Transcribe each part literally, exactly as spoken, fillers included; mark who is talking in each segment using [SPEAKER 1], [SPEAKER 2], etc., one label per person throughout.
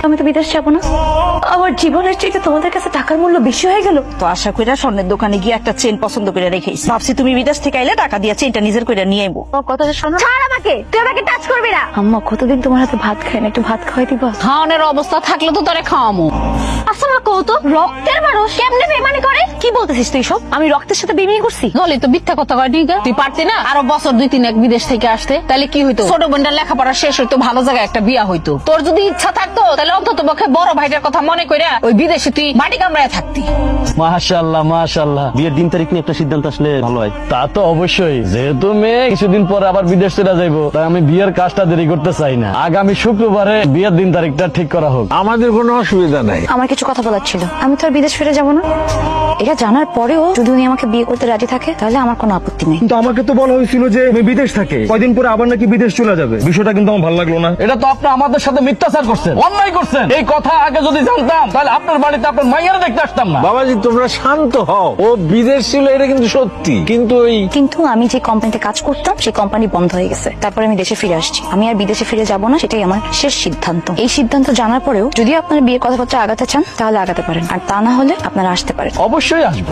[SPEAKER 1] আমি তো বিদেশ যাবো না। আমার জীবনের চাইতে তোমাদের কাছে টাকার মূল্য বেশি হয়ে গেল।
[SPEAKER 2] তো আশা কইরা স্বর্ণের দোকানে গিয়ে একটা চেন পছন্দ করে রেখেছি, ভাবছি তুমি বিদেশ থেকে আইলে টাকা দিয়ে চেনটা নিজের করে নিয়ে আইবো।
[SPEAKER 1] কথাটা শোনো। ছাড় আমাকে, তুই আমাকে টাচ করবি না। আম্মা কতদিন তোমার হাতে ভাত খাই না, একটু ভাত খাওয়াই দিবা?
[SPEAKER 3] খাওয়ানোর অবস্থা থাকলে তো তোরে খাওয়ামু।
[SPEAKER 1] আচ্ছা মা, কত রক্তের মানুষ কেমনে বেমানি করে? কি বলতেছিস তুই সব? আমি রক্তের সাথে বেমানি করছি?
[SPEAKER 3] নলি তো মিথ্যা কথা কয় ঠিক। তুই পারতি না আরো বছর দুই তিন এক বিদেশ থেকে আসতে, তাহলে কি হইতো? ছোট বোনটার লেখাপড়া শেষ হইতো, ভালো জায়গায় একটা বিয়া হইতো। তোর যদি ইচ্ছা থাকতো তাহলে অন্তত পক্ষে বড় ভাইটার কথা মনে কইরা ওই বিদেশে তুই মাটি কামড়ায় থাকতি।
[SPEAKER 4] মাশাআল্লাহ মাশাআল্লাহ, বিয়ের দিন তারিখ নিয়ে একটা সিদ্ধান্ত আসলে ভালো হয়। তা তো অবশ্যই, যেহেতু মেয়ে কিছুদিন পরে আবার বিদেশ চলে যাইবো, তাই আমি বিয়ের কাজটা দেরি করতে চাই না। আগামী শুক্রবারে বিয়ের দিন তারিখটা ঠিক করা হোক।
[SPEAKER 5] আমাদের কোনো অসুবিধা নাই।
[SPEAKER 1] আমার কিছু কথা বলার ছিল। আমি তো আর বিদেশ ফিরে যাবো না। এটা জানার পরেও যদি উনি আমাকে বিয়ে করতে রাজি থাকে তাহলে আমার কোনো আপত্তি নেই।
[SPEAKER 6] কিন্তু আমাকে তো বলা হয়েছিল যে আমি বিদেশ থাকে, কয়দিন পরে আবার নাকি বিদেশ চলে যাবে। বিষয়টা কিন্তু আমার ভালো লাগলো না।
[SPEAKER 4] এটা তো আপনি আমাদের সাথে মিথ্যাচার করছেন, অন্যায় করছেন। এই কথা আগে যদি জানতাম তাহলে আপনার বাড়িতে আপনার মাইয়ারে দেখতে আসতাম না।
[SPEAKER 5] বাবাজি তোমরা শান্ত হও, ও বিদেশ ছিল এটা কিন্তু সত্যি, কিন্তু ওই
[SPEAKER 1] কিন্তু আমি যে কোম্পানিতে কাজ করতাম সেই কোম্পানি বন্ধ হয়ে গেছে। তারপরে আমি দেশে ফিরে আসছি। আমি আর বিদেশে ফিরে যাব না, সেটাই আমার শেষ সিদ্ধান্ত। এই সিদ্ধান্ত জানার পরেও যদি আপনার বিয়ে কথাবার্তা আগাতে চান তাহলে আগাতে পারেন, আর তা না হলে আপনারা আসতে পারেন।
[SPEAKER 4] অবশ্যই আসবো।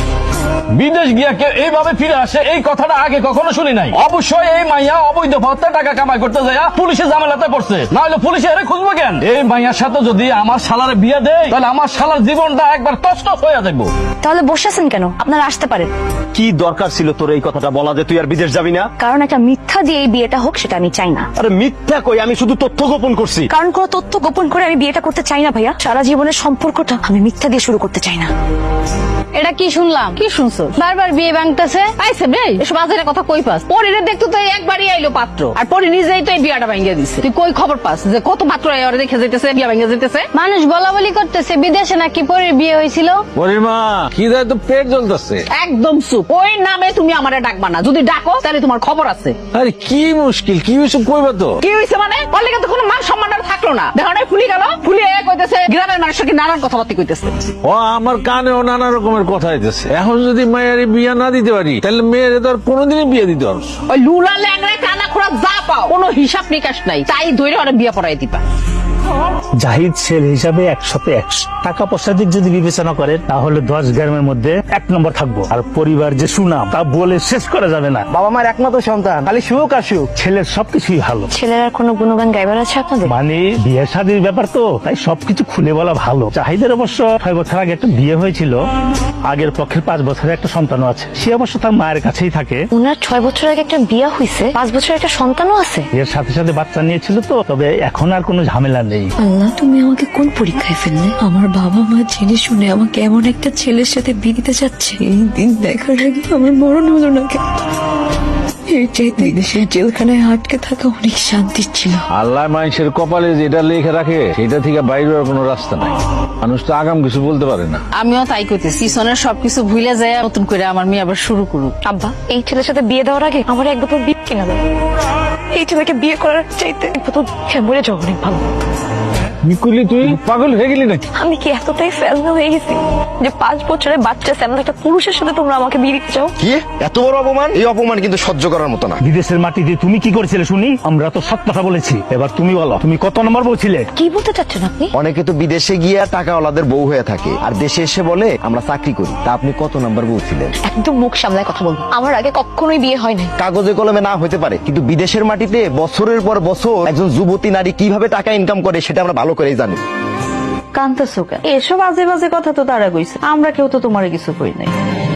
[SPEAKER 4] বিদেশ গিয়া কেউ এইভাবে ফিরে আসে এই কথাটা আগে কখনো শুনি নাই। অবশ্যই এই মাইয়া অবৈধ পথে টাকা কামাই করতে যায় পুলিশে ঝামেলাতে পড়ছে, না হলে পুলিশে এর খুঁজবো কেন? এই মাইয়ার সাথে যদি আমার শালারে বিয়ে দেয় তাহলে আমার শালার জীবনটা একবার তছনছ হয়ে যাবো।
[SPEAKER 1] তাহলে বসে আছেন কেন? আপনারা আসতে পারেন।
[SPEAKER 7] কি দরকার ছিল তোর এই কথাটা বলা যে তুই আর বিদেশ যাবি না?
[SPEAKER 1] কারণ একটা মিথ্যা দিয়ে এই বিয়েটা হোক সেটা আমি চাই না।
[SPEAKER 7] আরে মিথ্যা কই, আমি শুধু তথ্য গোপন করছি।
[SPEAKER 1] কারণ কোনো তথ্য গোপন করে আমি বিয়েটা করতে চাই না ভাইয়া। সারা জীবনের সম্পর্কটা আমি মিথ্যা দিয়ে শুরু করতে চাই না।
[SPEAKER 3] এটা কি শুনলাম? কি শুনছো? বারবার বিয়ে ভাঙতেছে আইছে বে, এসব আজের কথা কই পাস? পরিরে দেখতো তো একবারই আইলো পাত্র, আর পরি নিজেই তো এই বিয়াটা ভাঙিয়ে দিছে। তুই কই খবর পাস যে কত পাত্র আইরে দেখে যাইতেছে, বিয়া ভাঙিয়ে যাইতেছে? মানুষ বলা বলি করতেছে বিদেশে নাকি পরির বিয়ে হয়েছিল।
[SPEAKER 5] পরিমা কি দেয় তো পেট জ্বলতেছে।
[SPEAKER 3] একদম চুপ, ওই নামে তুমি আমারে ডাকবা না। যদি ডাকো তাহলে তোমার খবর আছে।
[SPEAKER 5] আরে কি মুশকিল, কি হয়েছে কইবা তো?
[SPEAKER 3] কি হয়েছে মানে? অলিকে তো কোনো মান সম্মান আর থাকলো না। দেখো না ফুলি গেল, ফুলি এ কইতেছে গ্রামের মানুষকে নানান কথাবার্তা কইতেছে।
[SPEAKER 5] ও আমার কানেও নানা রকমের কথা হইতেছে। এখন যদি মায়ের বিয়ে না দিতে পারি তাহলে মেয়ের তো আর কোনোদিনই বিয়ে দিতে পারবো।
[SPEAKER 3] ওই লুলা ল্যাংড়া কানা খোড়া যা পাও কোনো হিসাব নিকাশ নাই, তাই ধরে ওরা বিয়ে পড়াই দিবা।
[SPEAKER 8] জাহিদ ছেলে হিসাবে একসাথে একশো টাকা পয়সা দিক যদি বিবেচনা করে তাহলে দশ গ্রামের মধ্যে এক নম্বর থাকবো। আর পরিবার যে সুনাম তা বলে শেষ করা যাবে না।
[SPEAKER 6] বাবা মার একমাত্র সন্তান, খালি সুখ আর সুখ।
[SPEAKER 8] ছেলের সবকিছুই ভালো।
[SPEAKER 1] ছেলের আর কোনো গুণগান গাইবার আছে আপনাদের?
[SPEAKER 8] মানে বিয়ে শাদীর ব্যাপার তো, তাই সবকিছু খুলে বলা ভালো। জাহিদের অবশ্য ছয় বছর আগে একটা বিয়ে হয়েছিল, আগের পক্ষের পাঁচ বছরের একটা সন্তানও আছে। সে অবশ্য তার মায়ের কাছেই থাকে।
[SPEAKER 1] উনার ছয় বছর আগে একটা বিয়ে হয়েছে, পাঁচ বছরের একটা সন্তানও আছে।
[SPEAKER 8] এর সাথে সাথে বাচ্চা নিয়েছিল তো, তবে এখন আর কোনো ঝামেলা নেই।
[SPEAKER 9] আল্লাহ, তুমি আমাকে কোন পরীক্ষায় ফেললে? আমার বাবা মা জেনে শুনে আমাকে এমন একটা ছেলের সাথে বিয়ে দিতে চাচ্ছে। এই দিন দেখার আগে আমার মরণ হলো না কেন? এর চাইতে দেশের জেলখানায় আটকে থাকা অনেক শান্তির ছিল।
[SPEAKER 5] আল্লাহ মানুষের কপালে যেটা লেখে রাখে সেটা থেকে বাইরে হওয়ার কোনো রাস্তা নাই। মানুষ তো আগাম কিছু বলতে পারে না।
[SPEAKER 3] আমিও তাই কইতেছি, পিছনের সবকিছু ভুলে যায় নতুন করে আমার মেয়ে আবার শুরু করুক।
[SPEAKER 1] আব্বা, এই ছেলের সাথে বিয়ে দেওয়ার আগে আমার এক বোতল বিয়ে কিনা দাও। এই ছেলেকে বিয়ে করার চাইতে এক বোতল মরে যাওয়া অনেক ভালো।
[SPEAKER 5] নিকুলি তুই পাগল হয়ে গেলি নাকি?
[SPEAKER 1] আমি কি এতটাই ফেলনা হয়ে গেছি যে পাঁচ বছরের বাচ্চা স্যামন একটা পুরুষের সাথে তোমরা আমাকে বিয়ে দিতে চাও?
[SPEAKER 7] কি এত বড় অপমান? এই অপমান কিন্তু সহ্য করার মতো না।
[SPEAKER 8] বিদেশের মাটিতে তুমি কি করেছিলে শুনি? আমরা তো সব কথা বলেছি, এবার তুমি বলো তুমি কত নম্বর বলছিলে?
[SPEAKER 1] কি বলতে চাচ্ছেন আপনি?
[SPEAKER 7] অনেকে তো বিদেশে গিয়া টাকাওয়ালাদের বউ হয়ে থাকে, আর দেশে এসে বলে আমরা চাকরি করি। তা আপনি কত নাম্বার বউ ছিলেন?
[SPEAKER 1] একদম মুখ সামলায় কথা বলবো। আমার আগে কখনোই বিয়ে হয় নাই।
[SPEAKER 7] কাগজে কলমে না হতে পারে, কিন্তু বিদেশের মাটিতে বছরের পর বছর একজন যুবতী নারী কিভাবে টাকা ইনকাম করে সেটা আমরা ভালো করেই জানি।
[SPEAKER 2] কান্তাছো কেন? এসব আজে বাজে কথা তো তারা কইছে, আমরা কেউ তো তোমারে কিছু কই নাই।